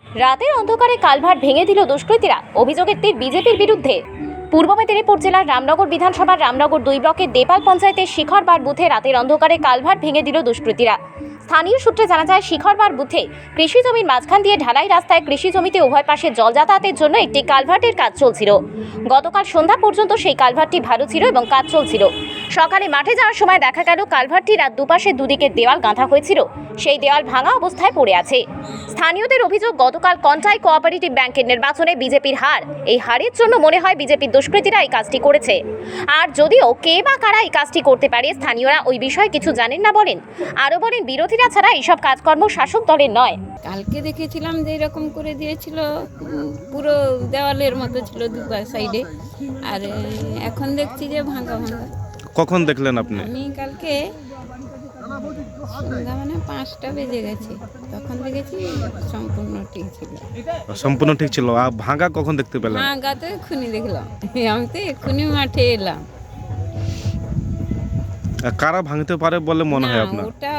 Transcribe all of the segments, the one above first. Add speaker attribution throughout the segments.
Speaker 1: রাতের অন্ধকারে কালভার্ট ভেঙে দিল দুষ্কৃতীরা, অভিযোগের তীর বিজেপির বিরুদ্ধে। পূর্ব মেদিনীপুর জেলার রামনগর বিধানসভার রামনগর 2 ব্লকের দেপাল পঞ্চায়েতের শিখরবার বুথে রাতের অন্ধকারে কালভার্ট ভেঙে দিল দুষ্কৃতীরা। স্থানীয় সূত্রে জানা যায়, শিখরবার বুথে কৃষি জমির মাঝখান দিয়ে ঢালাই রাস্তায় কৃষি জমিতে উভয় পাশে জল যাতায়াতের জন্য একটি কালভার্টের কাজ চলছিল। গতকাল সন্ধ্যা পর্যন্ত সেই কালভার্টটি ভালো ছিল এবং কাজ চলছিল। সকালে মাঠে যাওয়ার সময় দেখা গেল কালভার্টটির আর দুপাশে দুদিকে দেওয়াল গাঁথা হয়েছিল, সেই দেওয়াল ভাঙা অবস্থায় পড়ে আছে। স্থানীয়দের অভিযোগ, গতকাল কন্টাই কোঅপারেটিভ ব্যাংকের নির্বাচনে বিজেপির হার, এই হারের জন্য মনে হয় বিজেপির দুষ্কৃতীরা এই কাজটি করেছে। আর যদিও কে বা কারা এই কাজটি করতে পারে, স্থানীয়রা ওই বিষয়ে কিছু জানেন না বলেন। আরও বলেন, বিরোধীরা ছাড়া এইসব কাজকর্ম শাসক দলের নয়।
Speaker 2: কালকে দেখেছিলাম যে এরকম করে দিয়েছিল, পুরো দেওয়ালের মতো ছিল দু সাইডে, আর এখন দেখছি যে ভাঙা ভাঙা।
Speaker 3: কখন দেখলেন আপনি?
Speaker 2: আমি কালকে সন্ধ্যা মানে 5টা বেজে গেছে, তখন দেখেছি সম্পূর্ণ ঠিক ছিল।
Speaker 3: সম্পূর্ণ ঠিক ছিল। আর ভাঙা কখন দেখতে পেলেন?
Speaker 2: ভাঙা তো এক্ষুনি দেখলাম, আমি তো এক্ষুনি মাঠে এলাম।
Speaker 3: কারা ভাঙতে পারে বলে মনে হয় আপনার?
Speaker 2: ওটা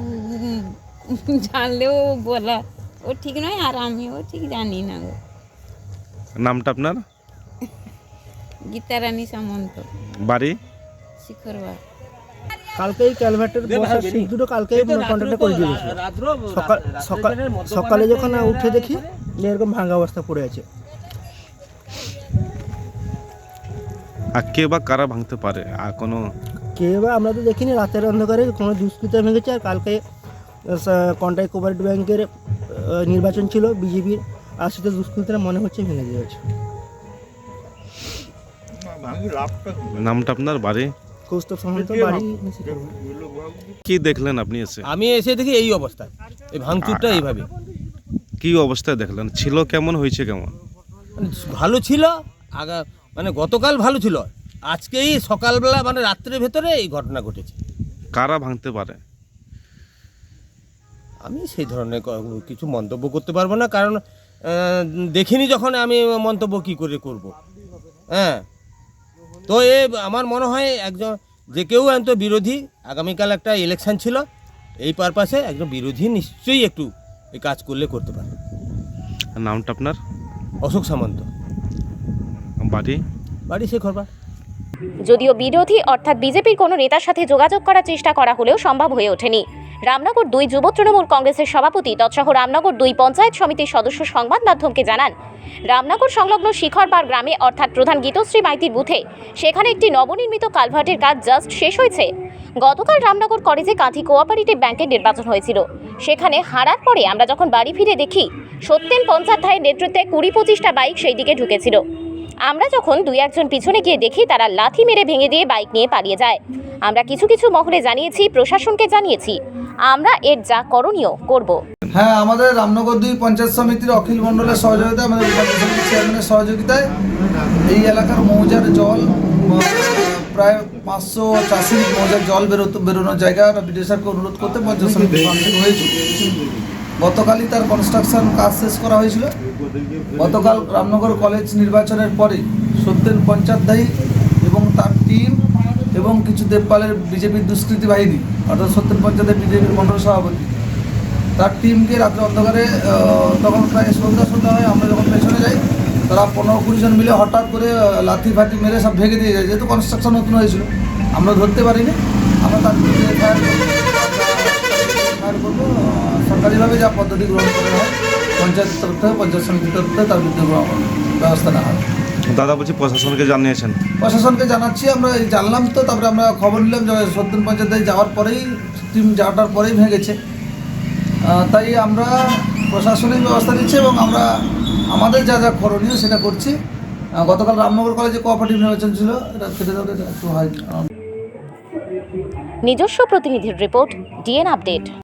Speaker 2: জানলেও বলা ও ঠিক নয়, আর আমিও ঠিক জানি না।
Speaker 3: নামটা আপনার?
Speaker 2: গীতারানী সামন্ত,
Speaker 3: বাড়ি?
Speaker 2: শিখরবার।
Speaker 4: কালকেই ক্যালভার্টের বসার সিট দুটো কালকেই কন্ট্রাক্টে করে দিয়েছে। সকালে যখন উঠে দেখি যে এরকম ভাঙা অবস্থা পড়ে আছে।
Speaker 3: আর কে বা কারা ভাঙতে পারে? আর কোনো
Speaker 4: কে বা আমরা তো দেখিনি, রাতের অন্ধকারে কোনো দুষ্কৃতী ভেঙেছে। আর কালকে কন্টাই কোঅপারেটিভ ব্যাংকের নির্বাচন ছিল বিজেপির, আর সেটা দুষ্কৃতীরা মনে হচ্ছে ভেঙে দিয়েছে।
Speaker 3: নামটা আপনার? বাড়ি?
Speaker 4: কৌস্তব সামন্ত, বাড়ি।
Speaker 3: কি দেখলেন আপনি এসে?
Speaker 5: আমি এসে দেখি এই অবস্থা, এই ভাঙচুরটা এইভাবে।
Speaker 3: কি অবস্থায় দেখলেন? ছিল কেমন, হয়েছে কেমন?
Speaker 5: মানে ভালো ছিল মানে গতকাল ভালো ছিল, আজকেই সকালবেলা মানে রাত্রের ভেতরে এই ঘটনা ঘটেছে।
Speaker 3: কারা ভাঙতে পারে?
Speaker 5: আমি সেই ধরনের কিছু মন্তব্য করতে পারবো না, কারণ দেখিনি যখন আমি মন্তব্য কি করে করব। হ্যাঁ, তো আমার মনে হয় একজন যে কেউ তো বিরোধী, আগামীকাল একটা ইলেকশন ছিল, এই পারপাসে একজন বিরোধী নিশ্চয়ই একটু এই কাজ করলে করতে পারে।
Speaker 3: নামটা আপনার?
Speaker 5: অশোক সামন্ত।
Speaker 3: বাড়ি?
Speaker 5: বাড়ি শিখরবার।
Speaker 1: যদিও বিরোধী অর্থাৎ বিজেপির কোনো নেতার সাথে যোগাযোগ করার চেষ্টা করা হলেও সম্ভব হয়ে ওঠেনি। রামনগর 2 যুব তৃণমূল কংগ্রেসের সভাপতি তৎসহ রামনগর 2 পঞ্চায়েত সমিতির সদস্য সংবাদ মাধ্যমকে জানান, রামনগর সংলগ্ন শিখরবার গ্রামে অর্থাৎ প্রধান গীতশ্রী মাইতির বুথে সেখানে একটি নবনির্মিত কালভার্টের কাজ জাস্ট শেষ হয়েছে। গতকাল রামনগর কলেজে কাঁথি কোঅপারেটিভ ব্যাংকের নির্বাচন হয়েছিল, সেখানে হারার পরে আমরা যখন বাড়ি ফিরে দেখি সত্যেন পঞ্চাধ্যায়ের নেতৃত্বে 20-25টা বাইক সেই দিকে ঢুকেছিল। আমরা যখন 2-1 পিছনে গিয়ে দেখি তারা লাথি মেরে ভেঙে দিয়ে বাইক নিয়ে পালিয়ে যায়। আমরা কিছু মহলে জানিয়েছি, প্রশাসনকে জানিয়েছি, আমরা এর যা করণীয় করব।
Speaker 6: হ্যাঁ, আমাদের রামনগর 2 পঞ্চায়েত সমিতির অখিল মণ্ডলের সহযোগিতায়, আমাদের চেয়ারম্যানের সহযোগিতায় এই এলাকার মৌজার জল, প্রায় 500 চাষির মৌজার জল বেরোনোর জায়গা বিডিও অনুরোধ করতে পঞ্চায়েত সমিতি হয়েছিল। গতকালই তার কনস্ট্রাকশন কাজ শেষ করা হয়েছিল। গতকাল রামনগর কলেজ নির্বাচনের পরে সত্যেন পঞ্চাধ্যায়ী এবং তার টিম এবং কিছু দেবপালের বিজেপির দুষ্কৃতী বাহিনী, অর্থাৎ সত্যেন পঞ্চাধ্যায় বিজেপির মণ্ডল সভাপতি, তার টিমকে রাত্রে অন্ধকারে, তখন প্রায় সন্ধ্যা হয়, আমরা যখন পেছনে যাই তারা 15-20 জন মিলে হঠাৎ করে লাথি ফাটি মেরে সব ভেঙে দিয়ে যায়। যেহেতু কনস্ট্রাকশন নতুন হয়েছিল, আমরা ধরতে পারিনি। আমরা তার বিরুদ্ধে ফায়ার করবো, সরকারিভাবে যা পদ্ধতি গ্রহণ করা হয় পঞ্চায়েতের তরফ থেকে, পঞ্চায়েত সমিতির তরফ থেকে তার বিরুদ্ধে ব্যবস্থা নেওয়া হয়।
Speaker 3: দাদা বলছি, প্রশাসনকে জানিয়েছেন?
Speaker 6: প্রশাসনকে জানাচ্ছি, আমরা জানলাম তো, তারপরে আমরা খবর নিলাম যে সত্যেন পঞ্চায়েত যাওয়ার পরেই, টিম যাওয়ার পরেই ভেঙেছে। তাই আমরা প্রশাসনিক ব্যবস্থা নিচ্ছি এবং আমরা আমাদের যা যা করণীয় সেটা করছি। গতকাল রামনগর কলেজে কোঅপারেটিভ নির্বাচন ছিল, এটা কেটে দেওয়া একটু হয়।
Speaker 1: নিজস্ব প্রতিনিধির রিপোর্ট, ডিএন আপডেট।